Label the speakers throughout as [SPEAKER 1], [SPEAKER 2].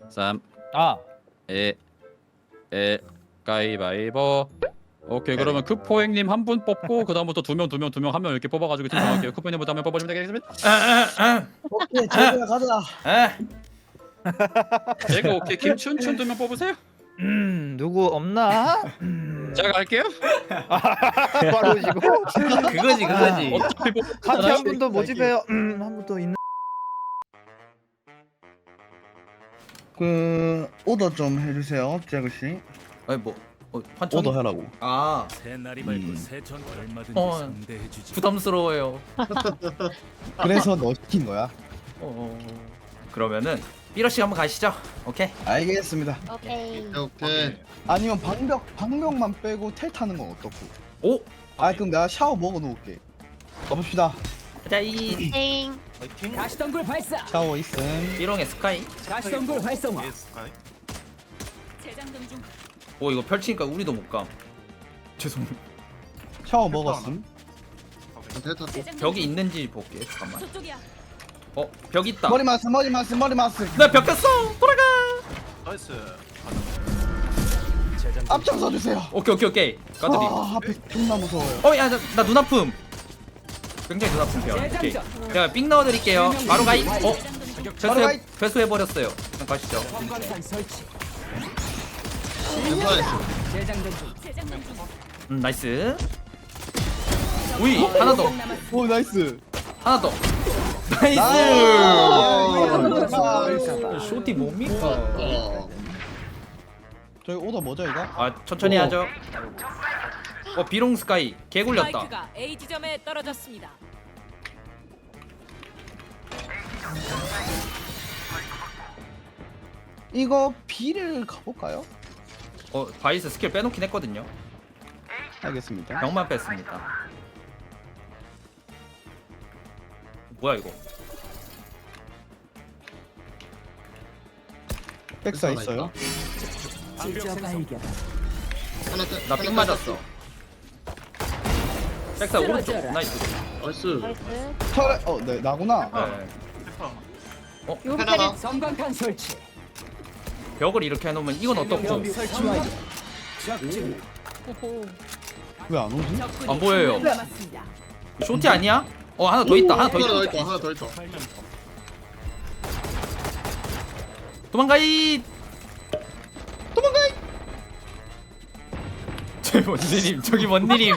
[SPEAKER 1] 3
[SPEAKER 2] 아
[SPEAKER 1] 2 1 가위바위보. 오케이 그러면 크포행님 한 분 뽑고 그 다음부터 두 명 한 명 이렇게 뽑아가지고 팀 정할게요. 크포행님부터 한 명 뽑아주면 되겠습니다.
[SPEAKER 3] 오케이 제대로 가자.
[SPEAKER 1] 제가 오케이 김춘춘 두 명 뽑으세요.
[SPEAKER 2] 누구 없나?
[SPEAKER 1] 제가 갈게요.
[SPEAKER 2] 바로 오시고
[SPEAKER 4] 그거지.
[SPEAKER 1] 어차피
[SPEAKER 2] 같이 한 분도 모집해요. 한 분도 있는.
[SPEAKER 3] 그 오더 좀 해주세요, 재그 씨.
[SPEAKER 4] 아니 뭐 환청.
[SPEAKER 3] 오더 하라고.
[SPEAKER 4] 아
[SPEAKER 5] 새 날이 밝고 새 전 얼마든지
[SPEAKER 4] 어.
[SPEAKER 5] 상대해주지.
[SPEAKER 4] 부담스러워요.
[SPEAKER 3] 그래서 너 시킨 거야.
[SPEAKER 4] 그러면은 삐러씨 한번 가시죠. 오케이.
[SPEAKER 3] 알겠습니다.
[SPEAKER 6] 오케이.
[SPEAKER 7] 오케이.
[SPEAKER 3] 아니면 방벽만 빼고 텔 타는 건 어떻고?
[SPEAKER 4] 오.
[SPEAKER 3] 아 그럼 내가 샤워 먹어 놓을게. 가봅시다.
[SPEAKER 4] 자이
[SPEAKER 6] 땡.
[SPEAKER 2] 가시덤굴 발사.
[SPEAKER 3] 샤워 있음.
[SPEAKER 4] 삐롱의 스카이.
[SPEAKER 2] 가시덤굴 활성화.
[SPEAKER 6] 재장전 중.
[SPEAKER 4] 오 이거 펼치니까 우리도 못 감. 죄송.
[SPEAKER 3] 샤워 먹었음.
[SPEAKER 7] 됐다.
[SPEAKER 4] 벽이 있는지 볼게. 잠깐만.
[SPEAKER 6] 저쪽이야.
[SPEAKER 4] 벽 있다.
[SPEAKER 3] 머리 마스.
[SPEAKER 4] 나벽 꼈어. 돌아가.
[SPEAKER 5] 나이스.
[SPEAKER 3] 앞장서 주세요.
[SPEAKER 4] 오케이. 까드리.
[SPEAKER 3] 아 앞에 존나 무서워요.
[SPEAKER 4] 나 눈 아픔. 굉장히 눈 아픔 벽. 오케이. 제가 삥 넣어드릴게요. 바로 가이.
[SPEAKER 3] 바로 가이.
[SPEAKER 4] 회수해버렸어요. 그냥 가시죠.
[SPEAKER 2] 관광산 설치.
[SPEAKER 7] 괜찮았어.
[SPEAKER 2] 재장전 중.
[SPEAKER 6] 재장전 중.
[SPEAKER 4] 나이스. 우이 하나 더.
[SPEAKER 3] 오 나이스.
[SPEAKER 4] 하나 더. 나이스.
[SPEAKER 3] 나이스.
[SPEAKER 4] 쇼티 뭡니까?
[SPEAKER 3] 저희 오더 뭐죠 이거?
[SPEAKER 4] 아 천천히 하죠. 비롱 스카이 개 굴렸다.
[SPEAKER 6] 스파이크가 A 지점에 떨어졌습니다.
[SPEAKER 3] 이거 B를 가볼까요?
[SPEAKER 4] 바이스 스킬 빼놓긴 했거든요.
[SPEAKER 3] 알겠습니다.
[SPEAKER 4] 병만 뺐습니다. 뭐야 이거?
[SPEAKER 3] 백사 있어요.
[SPEAKER 2] 직접 발견.
[SPEAKER 7] 하나 떼.
[SPEAKER 4] 나 삥 맞았어. 백사 오른쪽.
[SPEAKER 2] 쓰러져라.
[SPEAKER 4] 나이스.
[SPEAKER 7] 나이스.
[SPEAKER 6] 나이스.
[SPEAKER 3] 털. 네 나구나.
[SPEAKER 4] 네.
[SPEAKER 7] 하나가.
[SPEAKER 2] 성광탄 설치.
[SPEAKER 4] 벽을 이렇게 해놓으면 이건 어떻고?
[SPEAKER 2] 벽 설치 완료. 적중.
[SPEAKER 6] 오호.
[SPEAKER 3] 왜 안 오지?
[SPEAKER 6] 적군이
[SPEAKER 4] 안 보여요.
[SPEAKER 6] 한명 남았습니다.
[SPEAKER 4] 쇼티 아니야? 하나 더 있다. 하나 더
[SPEAKER 7] 하나 더
[SPEAKER 4] 있다.
[SPEAKER 7] 있다. 하나 더 있다.
[SPEAKER 4] 도망가이. 뭔 일임? 저기 뭔 일임?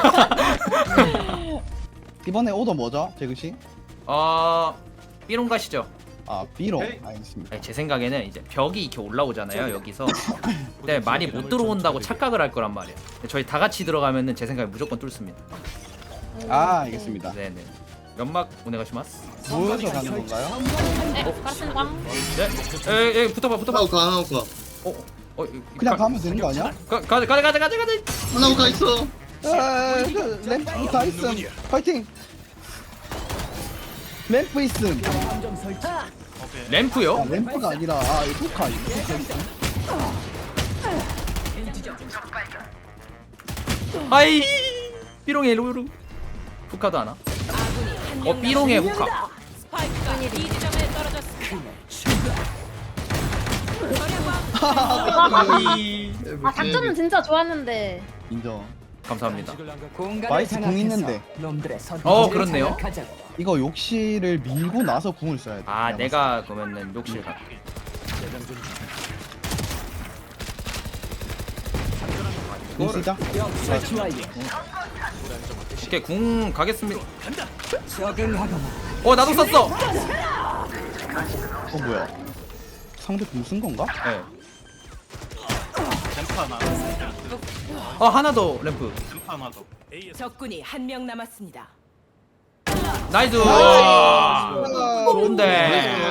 [SPEAKER 3] 이번에 오더 뭐죠, 재그 씨?
[SPEAKER 4] 삐롱 가시죠.
[SPEAKER 3] 아 B로. 알겠습니다.
[SPEAKER 4] 아니, 제 생각에는 이제 벽이 이렇게 올라오잖아요 여기서. 근데 많이 못 들어온다고 착각을 할 거란 말이에요. 근데 저희 다 같이 들어가면은 제 생각에 무조건 뚫습니다.
[SPEAKER 3] 아 알겠습니다.
[SPEAKER 4] 네네. 연막 오네가시마스.
[SPEAKER 3] 모여서 가는 건가요?
[SPEAKER 6] 네, 가르친 광.
[SPEAKER 4] 네. 에 붙어봐.
[SPEAKER 7] 하나 오카.
[SPEAKER 3] 그냥 가면 되는 거 아니야?
[SPEAKER 4] 가자.
[SPEAKER 7] 하나 오카 있어.
[SPEAKER 3] 그 램프 다 있음. 파이팅. 램프 있음.
[SPEAKER 2] 감정 설치.
[SPEAKER 4] 램프요?
[SPEAKER 3] 아 램프가 아니라 이 후카 있음.
[SPEAKER 4] 아이 삐롱의 루루. 후카도 하나. 삐롱의 후카.
[SPEAKER 6] 스파이크가 B 지점에 떨어졌습니다.
[SPEAKER 7] 아,
[SPEAKER 6] 작전은 진짜 좋았는데.
[SPEAKER 3] 인정.
[SPEAKER 4] 감사합니다.
[SPEAKER 3] 마이스 궁 있는데.
[SPEAKER 2] 놈들의
[SPEAKER 4] 그렇네요.
[SPEAKER 3] 이거 욕실을 밀고 나서 궁을 써야 돼.
[SPEAKER 4] 내가 그러면은 욕실 가.
[SPEAKER 3] 궁 쓰자.
[SPEAKER 2] 설치 완료.
[SPEAKER 4] 오케이 궁 가겠습니다.
[SPEAKER 2] 적응하거나.
[SPEAKER 4] 나도 썼어.
[SPEAKER 3] 뭐야? 상대 궁 쓴 건가?
[SPEAKER 4] 네. 하나 더 램프.
[SPEAKER 6] 적군이 한 명 남았습니다.
[SPEAKER 4] 나이스. 좋은데.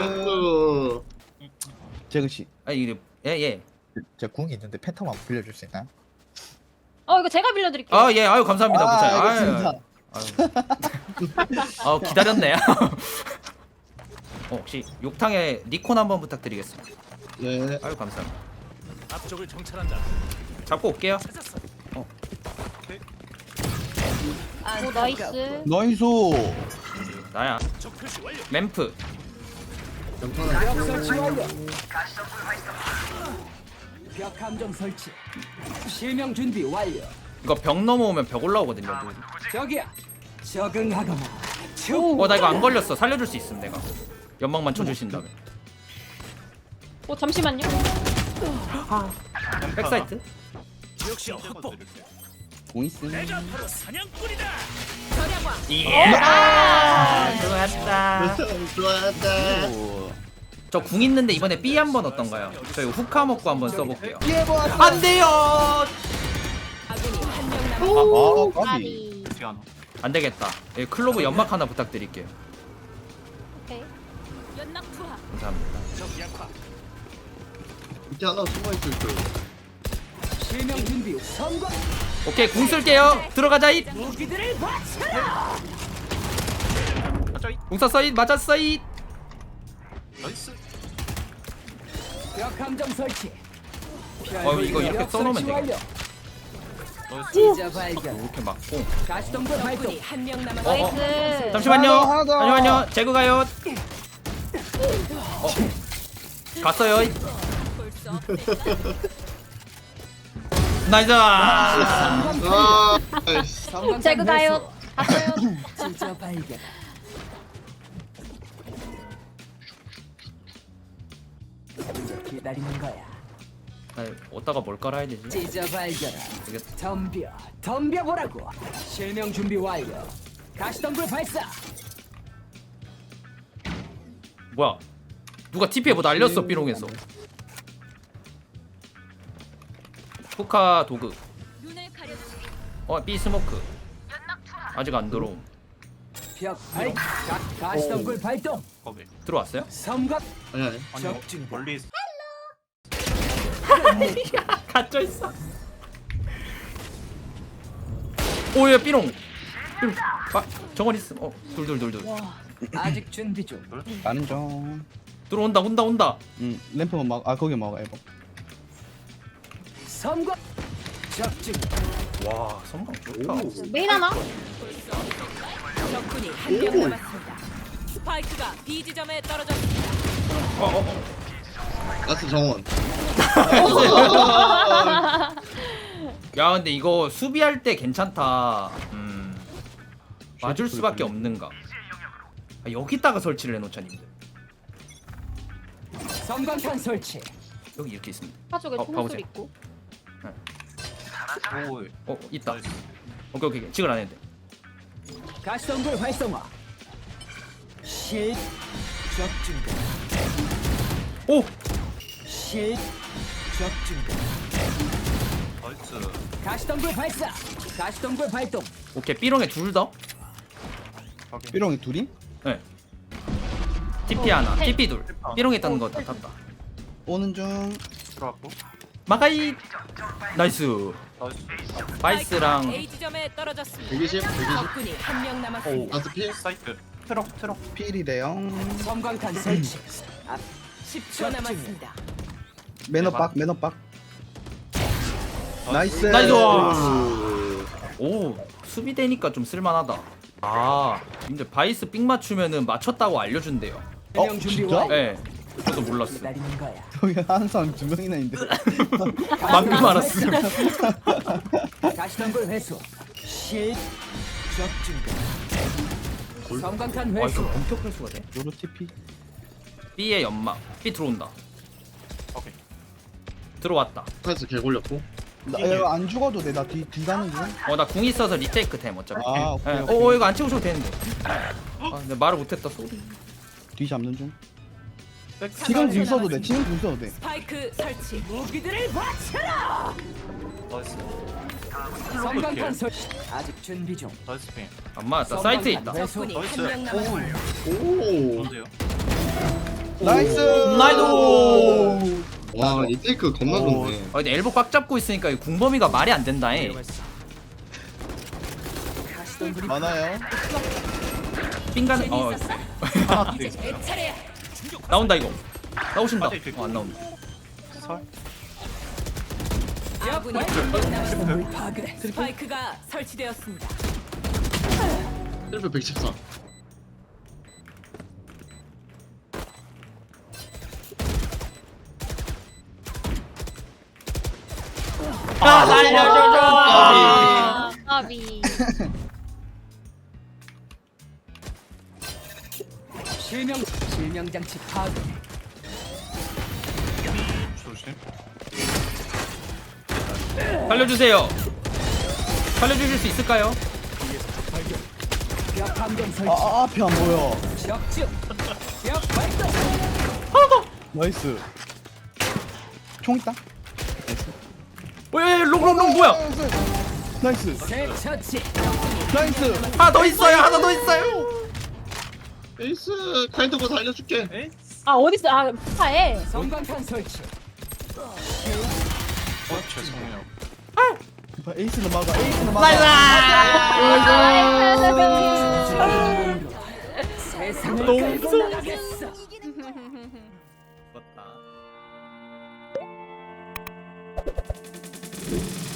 [SPEAKER 3] 재그 씨,
[SPEAKER 4] 이게 예.
[SPEAKER 3] 제가 궁이 있는데 팬텀 한번 빌려줄 수 있나요?
[SPEAKER 6] 이거 제가 빌려드릴게요.
[SPEAKER 4] 아유 감사합니다.
[SPEAKER 3] 알겠습니다.
[SPEAKER 4] 기다렸네. 혹시 욕탕에 니콘 한번 부탁드리겠습니다.
[SPEAKER 7] 네.
[SPEAKER 4] 아유 감사합니다.
[SPEAKER 5] 앞쪽을 정찰한다.
[SPEAKER 4] 잡고 올게요.
[SPEAKER 6] 오 나이스.
[SPEAKER 3] 나이스.
[SPEAKER 4] 나야.
[SPEAKER 5] 적 표시 완료.
[SPEAKER 4] 램프.
[SPEAKER 2] 벽 설치 완료. 벽 함정 설치. 실명 준비 완료.
[SPEAKER 4] 이거 벽 넘어오면 벽 올라오거든요.
[SPEAKER 2] 저기야. 적응하거나.
[SPEAKER 4] 나 이거 안 걸렸어. 살려줄 수 있음 내가. 연막만 쳐주신다면.
[SPEAKER 6] 잠시만요.
[SPEAKER 4] 백사이트?
[SPEAKER 5] 역시 확보.
[SPEAKER 3] 공 있음.
[SPEAKER 5] 내가 바로 사냥꾼이다.
[SPEAKER 4] 좋았다.
[SPEAKER 7] 좋았다.
[SPEAKER 4] 저 궁 있는데 이번에 B 한번 어떤가요? 저 이거 후카 먹고 한번 써볼게요.
[SPEAKER 3] 피해 보았어.
[SPEAKER 4] 안 돼요.
[SPEAKER 6] 아군이 한 명 남았습니다.
[SPEAKER 3] 아, 까비.
[SPEAKER 6] 까비.
[SPEAKER 4] 안 되겠다. 예, 클로브 연막 하나 부탁드릴게요.
[SPEAKER 6] 오케이. 연락 투하.
[SPEAKER 4] 감사합니다.
[SPEAKER 5] 적 약화.
[SPEAKER 7] 밑에 하나 숨어있을 거예요.
[SPEAKER 2] 실명 준비 성공.
[SPEAKER 4] 오케이 궁 쓸게요. 들어가자 잇.
[SPEAKER 2] 무기들을 바쳐라.
[SPEAKER 4] 궁 쐈어 잇. 맞았어 잇.
[SPEAKER 5] 나이스.
[SPEAKER 2] 벽 함정 설치.
[SPEAKER 4] 이거 이렇게
[SPEAKER 2] 벽
[SPEAKER 4] 써놓으면
[SPEAKER 2] 설치
[SPEAKER 4] 되겠다.
[SPEAKER 5] 나이스.
[SPEAKER 2] 진짜 발견.
[SPEAKER 4] 이렇게 맞고.
[SPEAKER 2] 가시덤불 발동.
[SPEAKER 6] 적군이 한 명 남았습니다. 나이스.
[SPEAKER 4] 잠시만요.
[SPEAKER 3] 하나 더.
[SPEAKER 4] 잠시만요. 제구 가요. 갔어요. 잇. 나이스.
[SPEAKER 7] 아, 아이씨.
[SPEAKER 6] 제구 가요. 갔어요.
[SPEAKER 2] 진짜 발견. 이제 기다리는 거야.
[SPEAKER 4] 어디다가 뭘 깔아야 되지?
[SPEAKER 2] 찢어 발견.
[SPEAKER 4] 이게
[SPEAKER 2] 덤벼보라고. 실명 준비 완료. 가시덤불 발사.
[SPEAKER 4] 뭐야? 누가 TP에 뭐 날렸어 삐롱에서. 후카 도그. B 스모크. 아직 안 들어옴.
[SPEAKER 2] 벽 발. 가시덤불 발동.
[SPEAKER 5] 거기.
[SPEAKER 4] 들어왔어요?
[SPEAKER 2] 섬각.
[SPEAKER 7] 아니.
[SPEAKER 2] 적중.
[SPEAKER 5] 멀리 있어.
[SPEAKER 4] 갇혀 있어. 오예 삐롱. 삐롱. 정원 있음. 둘.
[SPEAKER 2] 아직 준비 중.
[SPEAKER 3] 가는 중.
[SPEAKER 4] 들어온다 온다.
[SPEAKER 3] 램프만 막. 아 거기 막아 이거.
[SPEAKER 2] 섬각. 적중.
[SPEAKER 4] 와 선방 좋다.
[SPEAKER 6] 메인 하나? 적군이 한 명 남았습니다. 스파이크가 B 지점에 떨어졌습니다.
[SPEAKER 7] 가스 정원.
[SPEAKER 4] 야 근데 이거 수비할 때 괜찮다. 맞을 수밖에 없는가. 여기다가 설치를 해놓자 님들.
[SPEAKER 2] 섬광탄 설치.
[SPEAKER 4] 여기 이렇게 있습니다.
[SPEAKER 6] 파쪽에
[SPEAKER 4] 봐보세요.
[SPEAKER 6] 통술 있고.
[SPEAKER 5] 오.
[SPEAKER 4] 있다.
[SPEAKER 5] 나이스.
[SPEAKER 4] 오케이 지글 안 해도 돼.
[SPEAKER 2] 가시덤불 활성화. 실. 적중.
[SPEAKER 4] 오!
[SPEAKER 2] 실. 적중.
[SPEAKER 5] 나이스.
[SPEAKER 2] 가시덤불 발사. 가시덤불 발동.
[SPEAKER 4] 오케이 삐롱에 둘 더.
[SPEAKER 3] 삐롱이 둘이?
[SPEAKER 4] 네. TP 하나, TP 둘. 삐롱에 있다는 거 다 탔다.
[SPEAKER 3] 오는 중.
[SPEAKER 5] 들어왔고.
[SPEAKER 4] 마가이. 나이스.
[SPEAKER 5] 나이스.
[SPEAKER 4] 바이스랑
[SPEAKER 6] A 지점에 떨어졌습니다.
[SPEAKER 7] 120.
[SPEAKER 6] 적군이 한 명 남았습니다.
[SPEAKER 7] 가스 필.
[SPEAKER 5] 사이트. 트럭.
[SPEAKER 3] 필이래요.
[SPEAKER 2] 섬광탄 설치. 앞.
[SPEAKER 6] 10초 남았습니다.
[SPEAKER 3] 매너박. 나이스.
[SPEAKER 4] 나이스. 오 수비되니까 좀 쓸만하다. 근데 바이스 삥 맞추면은 맞췄다고 알려준대요.
[SPEAKER 2] 실명 준비
[SPEAKER 3] 진짜?
[SPEAKER 2] 완료.
[SPEAKER 4] 네. 저도 몰랐어.
[SPEAKER 2] 기다리는 거야.
[SPEAKER 3] 여기 항상 두 명이나 있는데.
[SPEAKER 4] 방금 알았어.
[SPEAKER 2] 가시덤불 회수. 실. 적중. 섬광탄
[SPEAKER 4] 이거
[SPEAKER 2] 회수.
[SPEAKER 4] 본격 회수가 돼?
[SPEAKER 3] 요로 TP.
[SPEAKER 4] B의 연막. B 들어온다.
[SPEAKER 5] 오케이.
[SPEAKER 4] 들어왔다.
[SPEAKER 7] 가스 개 걸렸고.
[SPEAKER 3] 나 이거 안 죽어도 돼. 나 뒤 가는 중.
[SPEAKER 4] 나 궁 있어서 리테이크 템 어차피.
[SPEAKER 3] 아, 오케이.
[SPEAKER 4] 이거 안 채우셔도 되는데. 근데 말을 못했다 소리.
[SPEAKER 3] 뒤 잡는 중. 지금 궁 써도 돼.
[SPEAKER 6] 스파이크 설치.
[SPEAKER 2] 무기들을 바쳐라.
[SPEAKER 5] 나이스.
[SPEAKER 2] 섬광탄 설치. 아직 준비 중.
[SPEAKER 5] 나이스 핑.
[SPEAKER 4] 안 맞았다. 사이트에 있다.
[SPEAKER 6] 적군이
[SPEAKER 5] 나이스.
[SPEAKER 6] 한 명 남았습니다.
[SPEAKER 7] 오.
[SPEAKER 5] 언제요?
[SPEAKER 3] 나이스.
[SPEAKER 4] 나이도.
[SPEAKER 7] 와, 이 테이크 겁나 좋네.
[SPEAKER 4] 근데 엘보 꽉 잡고 있으니까 이 궁범위가 말이 안 된다.
[SPEAKER 2] 가시덤불이
[SPEAKER 3] 많아요.
[SPEAKER 4] 삥간.
[SPEAKER 6] 이제 제 차례야.
[SPEAKER 4] 나온다 이거. 나오신다.
[SPEAKER 5] 맞아, 이거.
[SPEAKER 4] 안 나온다.
[SPEAKER 5] 설.
[SPEAKER 6] 아군이 한 명 남았습니다.
[SPEAKER 2] 파괴.
[SPEAKER 6] 스파이크가 설치되었습니다.
[SPEAKER 7] 셀프 114.
[SPEAKER 4] 아 살려줘줘.
[SPEAKER 8] 까비.
[SPEAKER 2] 실명 장치 파괴.
[SPEAKER 5] 조심.
[SPEAKER 4] 살려주세요. 살려주실 수 있을까요?
[SPEAKER 2] 벽 감정 설치.
[SPEAKER 3] 앞에 안 보여.
[SPEAKER 2] 적중. 벽 발사.
[SPEAKER 3] 나이스. 총 있다.
[SPEAKER 4] 왜 롱롱롱 뭐야?
[SPEAKER 3] 나이스.
[SPEAKER 2] 새 처치.
[SPEAKER 3] 나이스.
[SPEAKER 4] 하나 더 있어요. 하나 더 있어요.
[SPEAKER 7] 에이스 카이드고 살려줄게.
[SPEAKER 5] 에이?
[SPEAKER 8] 아 어딨어? 아 파에.
[SPEAKER 2] 성광탄 설치.
[SPEAKER 5] 죄송해요.
[SPEAKER 3] 에이스는 막아. 에이스는 막아.
[SPEAKER 2] 세상을
[SPEAKER 4] 농성.
[SPEAKER 2] 끌고 나가겠어.
[SPEAKER 4] 죽었다.